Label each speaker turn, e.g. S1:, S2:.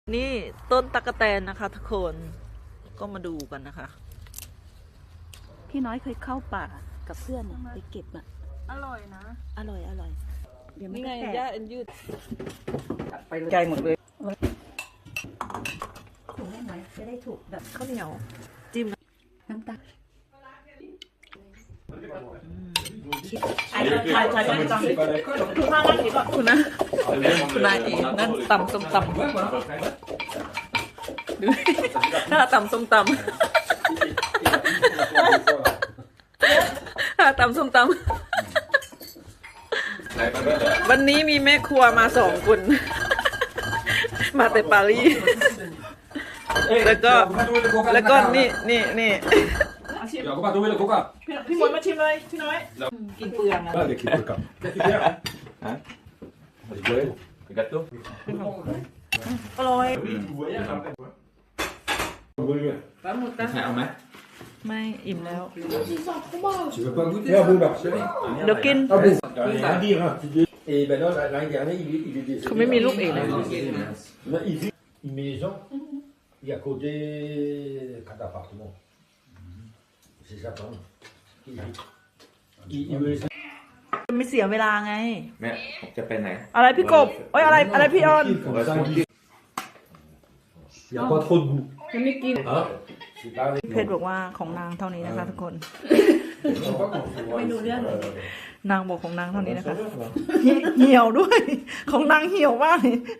S1: นี่ต้นตะกแตนนะคะทุกคนก็มาดูกันนะคะ
S2: พี่น้อยเคยเข้าป่ากับเพื่อนไปเก็บอ่ะ
S1: อร่อยนะ
S2: อร่อยเดี๋ยวไม่
S1: นี่ไง
S2: แตก
S1: ย่าอันยืด
S3: ไปไกลหมดเลย
S2: ถูกได้ไหมจะได้ถูกแบบ
S1: ข้าวเหนียวจิ้ม
S2: น้ำตาล
S1: คุณนะคุณนายเองนั่นตำส้มตำดูถ้าตำส้มตำถ้าตำส้มตำวันนี้มีแม่ครัวมา2 คนมาแต่ปารีสแล้วก็นี่
S4: Ja, koka, dove le koka?
S1: พี่มวยมาชิมเลยพี่น้อยกินเปลืองอะ
S4: Guarda che koka. Che ti piace? Di quello? Il gatto?
S1: อร่อย
S4: Sai a me?
S1: ไม่อิ่มแล้ว
S4: Tu veux pas goûter? Ah bon, bah, c'est bon.
S1: เดี๋ยวกิน
S4: Ah bon? Rien à dire, hein. Et ben là, l'année dernière, il est décédé.
S1: เขาไม่มีลูกเองเลย
S4: Là, il vit une maison, il y a côté 4 appartements. C'est ça, quand même. Il veut
S1: ไม่เสียเวลาไง
S5: แม่ผมจะไปไหน
S1: อะไรพี่กบเอ้ยอะไรพี่ออน
S4: comme ça, il n'y a pas trop de goût. Hein? C'est pas avec
S1: เพชรบอกว่าของนางเท่านี้นะคะทุกคน
S4: ไม่รู้เรื่อง
S1: นางบอกของนางเท่านี้นะคะ เหี่ยวด้วย ของนางเหี่ยวมาก